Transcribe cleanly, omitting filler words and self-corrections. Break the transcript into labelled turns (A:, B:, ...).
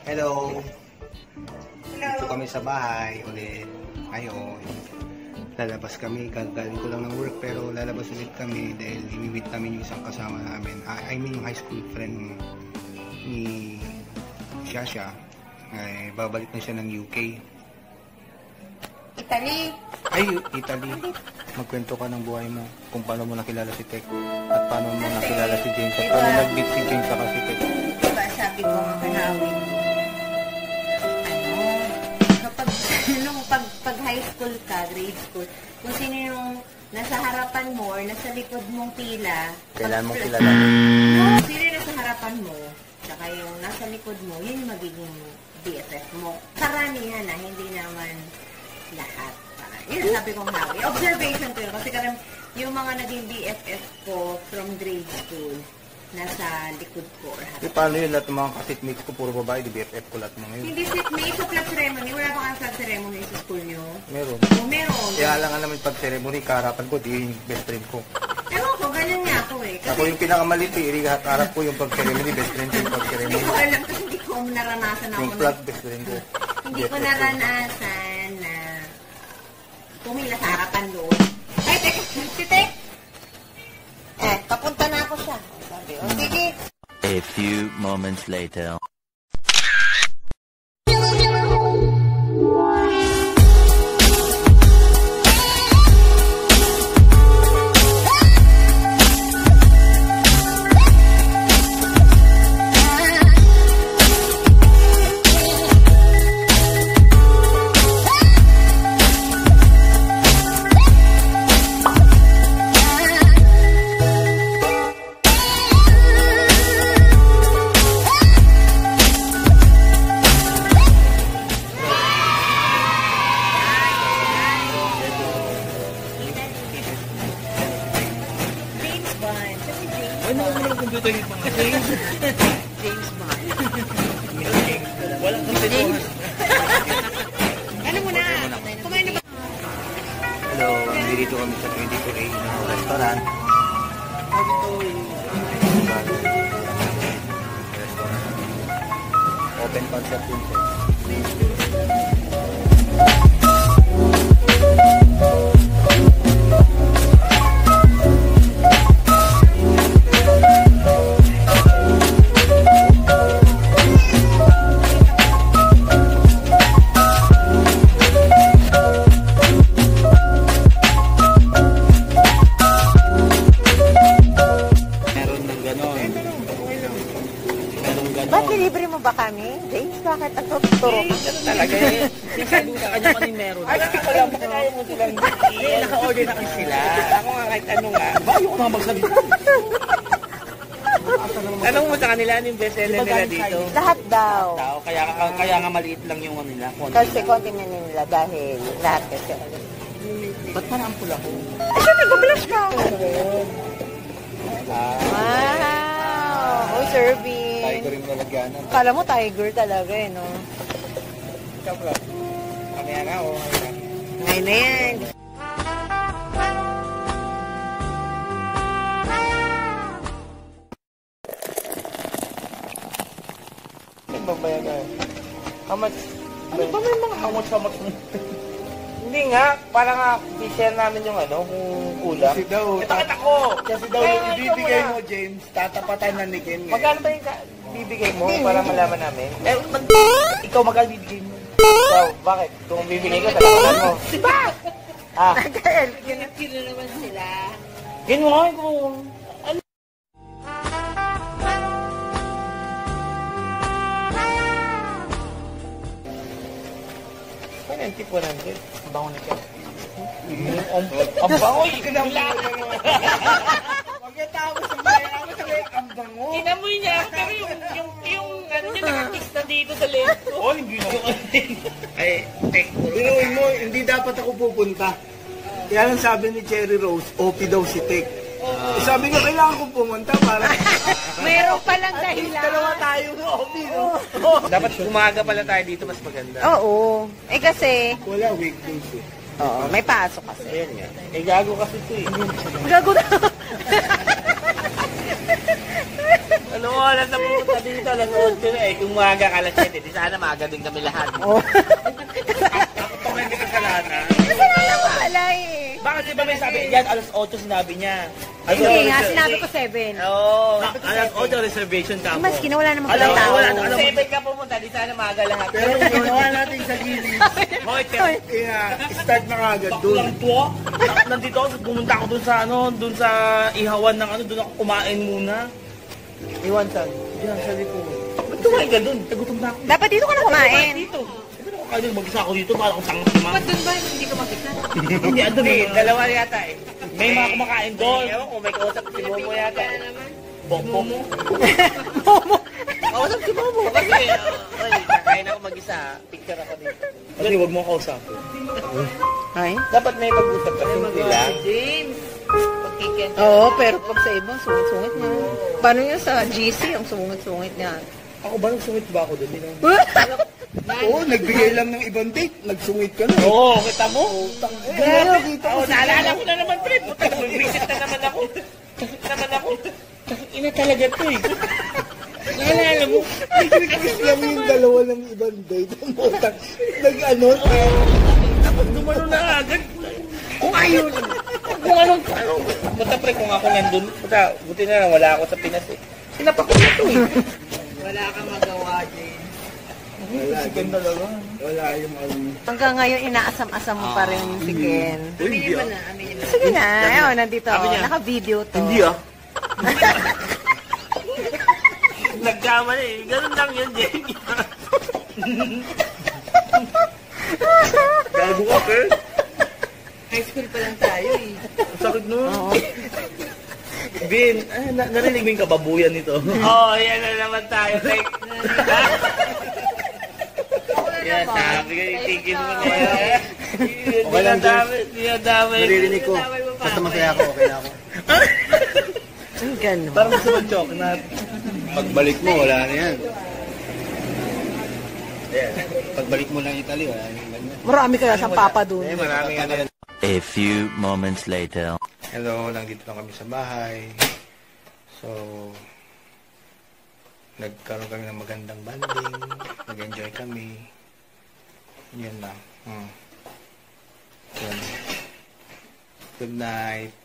A: Hello! Dito kami sa bahay ulit. Ngayon, lalabas kami. Galing ko lang ng work pero lalabas ulit kami dahil i-meet namin yung isang kasama namin. I mean yung high school friend ni Shasha. Ay, babalik na siya ng UK.
B: Italy!
A: Ay, Italy. Magkwento ka ng buhay mo kung paano mo nakilala si Tek at paano mo nakilala si James at paano nag-meet si James saka si Tek.
B: Diba sabi ko nga kanawin, pag high school ka, grade school, kung sino yung nasa harapan mo or nasa likod mong pila,
A: Kailan mong kilala?
B: sino yung nasa harapan mo, saka yung nasa likod mo, yun yung magiging BFF mo. Karamihan na, hindi naman lahat. Yun ang sabi kong hawi. Observation ko yun. Kasi karang yung mga naging BFF ko from grade school, nasa likod ko.
A: E paano yun? Lahat ng mga kasitmates ko, puro babae, di BFF ko lahat mga yun.
B: Hindi seatmate sa flag ceremony. Wala pa kang flag ceremony sa school nyo?
A: Meron.
B: O, meron.
A: Kaya lang nga naman pag ceremony, kaharapan ko, di yung best friend ko.
B: Ewan ko, ganyan nga ako eh. Kasi,
A: Ako yung pinakamalit eh, harap ko yung pag ceremony, best friend ko yung pag
B: hindi
A: ceremony.
B: ko alam kasi hindi ko naranasan ako.
A: Yung flag, best friend ko.
B: Hindi ko naranasan na pumila sa harapan doon. Ay, teka, si Tek! Papunta na ako siya. Sabi, o sige.
C: A few moments later.
D: Ano mo ng computer yung mga James?
B: James Bond.
D: Walang computer.
B: Ano muna? Kumain na ba?
A: Hello, nandito kami sa 22A na restaurant. Open concept yun sir.
B: Ba't nilibre mo ba kami? James, bakit ang tuturo ka?
D: Talaga eh. Sabi ko sa kanya pa ni meron. Ay, hindi ko alam. Kaya mo silang naka-order na kasi sila. Ako nga kahit ano nga. Ba, ayoko nga magsalita. Tanong mo sa kanila ano yung best seller nila dito?
B: Lahat daw.
D: Kaya nga maliit lang yung ano nila.
B: Kasi konti na nila dahil lahat kasi.
D: Ba't parang ang pula ko?
B: Ay, nag-blush ka! Wow! Oh, serving.
A: Tiger yung lalagyanan.
B: Kala mo tiger talaga eh, no?
D: Kapla. Kamaya nga o.
B: Ngayon na yan.
D: Magbabayad na. How much? Ano ba may mga how much mo? Hindi nga, para nga i-share namin yung ano, kung kulang.
A: Kasi daw,
D: Ito ko!
A: kasi daw yung ibibigay mo, James, tatapatan na ni Ken.
D: Magkano ba yung bibigay mo para malaman namin? Ikaw magkano bibigay mo? Ikaw, bakit? Kung bibigay ko, talakan mo. Diba? Ah.
B: Kino naman sila.
D: Yun mo nga, kung... Ano? Ano yung tip 100? Ang bango na siya. Ang bango! Wala!
A: Pagkatapos ang bayan ako sabi, ang bango.
D: Inamoy niya, pero yung ano niya nakakiss na dito sa left ko. Oh, hindi na. Ay, take mo.
A: Binuin mo, hindi dapat ako pupunta. Kaya lang sabi ni Cherry Rose, OP daw si Tek. Sabi ko, kailangan ko pumunta para...
B: Mayroon palang dahilan.
A: Dalawa tayo ng OP, no?
D: Dapat umaga pala tayo dito, mas maganda.
B: Oo. Eh kasi,
A: Wala, weekdays eh.
B: oo, may pasok kasi.
D: Ayan nga. Eh, gago kasi ito eh.
B: Gago na.
D: Ano oras na pumunta dito, alas 8 na eh. Kung maaga ka alas 7, di sana maaga din kami lahat.
B: Oh.
D: Ako pa may kasalanan.
B: Kasalanan ko ala eh.
D: Bakit di ba may sabi, yan alas 8 sinabi niya.
B: Hindi nga, sinabi ko 7.
D: Oo. Alas 8 reservation ka mo.
B: Maski na wala namang
D: Alam
B: tao.
D: mo, 7 ka pumunta, di sana maaga lahat.
A: Pero ginawa natin sa gilid.
D: Hoy, pero
A: Kaya, start na kagad doon.
D: lang to. Nandito ako, pumunta ako dun sa dun sa ihawan ng dun ako kumain muna. Iwan saan? Diyan, sa likod. Ba't kumain ka dun? Nagutom na ako.
B: Dapat dito ka na kumain.
D: Dito. Sabi na ako kayo dun, mag-isa ako dito, para akong tanga si mama.
B: Ba't doon ba hindi ka makita?
D: Hindi, andun eh. Dalawa yata eh. May mga kumakain doon. Ewan ko, may kausap si Momo yata. Momo?
B: Momo.
D: Kausap si Momo. Kasi, kakain ako mag-isa. Picture ako dito. Kasi huwag mo kausapin.
B: Ay?
D: Dapat may pag-usap kasi sila.
B: James. Oo, pero pag sa ibang sungit-sungit niya. Paano yung sa GC, ang sungit-sungit niya?
D: Ako ba, nagsungit ba ako doon?
A: Oo, nagbigay lang ng ibang date. Nagsungit ka na.
D: Oo, kita mo?
A: Gano'n, kita ko.
D: Naalala ko na naman, pre. Mag-visit na naman ako. Ina talaga to eh. Naalala mo?
A: Nag-request lang yung dalawa ng ibang date. Ang utang. Nag-ano?
D: Tapos dumano na agad. Kung ayun. Kung anong. Basta pre, kung ako nandun. Buti na lang, wala ako sa Pinas eh. Sinapak ko na to eh.
B: Wala kang magawa, James.
A: Wala,
D: talaga.
A: wala yung
B: Hanggang ngayon, inaasam-asam mo pa rin si Ken.
A: Hindi
B: Aminin mo na, aminin mo. Sige na, ayun, nandito.
D: Sabi niya,
B: Naka-video to.
D: Hindi ah. Nagkamali eh. Ganun lang yun, Jake. Gago ka, Ken.
B: High school pa lang tayo eh.
D: Sakit nun. Bin, narinig mo yung kababuyan nito? Oo, yan na naman tayo. Like, yan, sabi ka, itigil mo na yan.
A: Okay lang, James.
D: Dinadamay.
A: Naririnig ko. Basta masaya ako, okay na ako.
B: Ang gano'n.
D: Parang gusto mo chok na.
A: Pagbalik mo, wala na yan. Pagbalik mo ng Italy, wala na yan.
B: Marami kaya siyang papa dun.
A: Maraming ano yan.
C: A few moments later.
A: Hello, nandito lang kami sa bahay. So, nagkaroon kami ng magandang banding. Nag-enjoy kami. Yun lang. Yun. Good night.